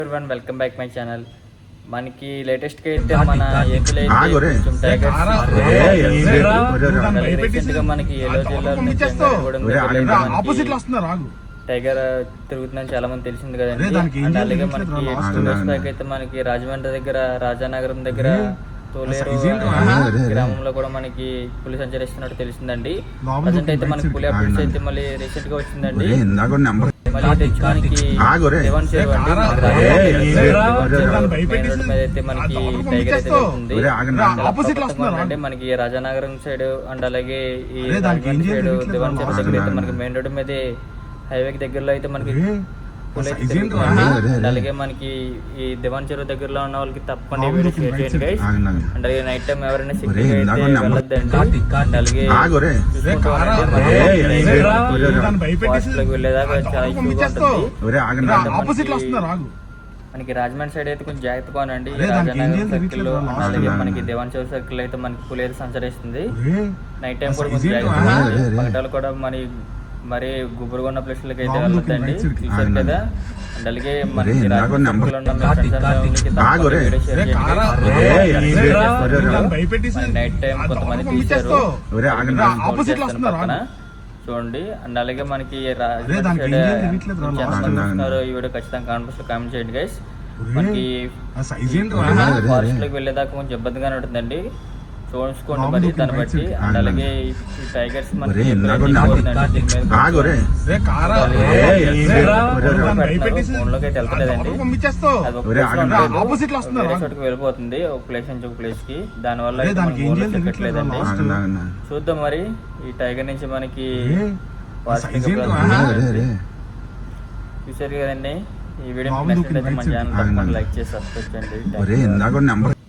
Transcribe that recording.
everyone, welcome back my channel. మనకి latest గా అయితే మన ఏపీలో కొంచెం రీసెంట్ గా మనకి ఏలో జిల్లాలో టైగర్ తిరుగుతుందని చాలా మంది తెలిసింది కదండి. అండ్ అలాగే మనకి 2 డేస్ బ్యాక్ అయితే మనకి రాజమండ్రి దగ్గర రాజానగరం దగ్గర తోలేరు గ్రామంలో కూడా మనకి పులి సంచరిస్తున్నట్టు తెలిసిందండి. ప్రజెంట్ అయితే మనకి పులి అప్డేట్స్ అయితే మళ్ళీ రీసెంట్ గా వచ్చిందండి. మళ్ళీ తెచ్చుకోవడానికి దేవన్ చెరువు అయితే మనకి టైగర్ అయితే వెళ్తుంది. అంటే మనకి రాజానగరం సైడ్ అండ్ అలాగే ఈ సైడ్ దేవన్ చెరువు దగ్గర అయితే మనకి మెయిన్ రోడ్ మీద హైవేకి దగ్గరలో అయితే మనకి అలాగే మనకి ఈ దివాన్ చెరువు దగ్గరలో ఉన్న వాళ్ళకి తప్పకుండా వీడియో షేర్ చేయండి గైస్. అండ్ అలాగే నైట్ టైం ఎవరైనా సిగ్నల్ అయితే వెళ్ళొద్దండి. అండ్ అలాగే వెళ్ళేదాకా చాలా ఎక్కువగా ఉంటుంది. మనకి రాజమండ్రి సైడ్ అయితే కొంచెం జాగ్రత్తగా ఉండండి. రాజానగరం సర్కిల్ అలాగే మనకి దివాన్ చెరువు సర్కిల్ అయితే మనకి పులి అయితే సంచరిస్తుంది. నైట్ టైం కూడా కొంచెం జాగ్రత్తగా ఉండండి. పగటాలు కూడా మరి గుబురుగా ఉన్న ప్లేస్లకి అయితే వెళ్ళొద్దండి, చూసారు కదా. అండ్ అలాగే మనకి నైట్ టైం కొంతమంది తీశారు పక్కన చూడండి. అండ్ అలాగే మనకి చూస్తున్నారు ఈ వీడియో ఖచ్చితంగా కామెంట్ చేయండి గైస్. మనకి ఫారెస్ట్ లోకి వెళ్ళేదాకా కొంచెం ఇబ్బందిగానే ఉంటుందండి, చూసుకోండి మరి దాన్ని బట్టి. అండ్ అలాగే ఈ టైగర్స్ మనకి ఫోన్ లోకి అయితే వెళ్తలేదండి, చోటుకి వెళ్ళిపోతుంది ఒక ప్లేస్ నుంచి ఒక ప్లేస్ కి. దాని వల్ల ఎక్కట్లేదండి. చూద్దాం మరి ఈ టైగర్ నుంచి మనకి చూసారు కదండి. ఈ వీడియో నచ్చినట్లయితే మన ఛానల్ తప్పకుండా లైక్ చేసి సబ్స్క్రైబ్ చేయండి.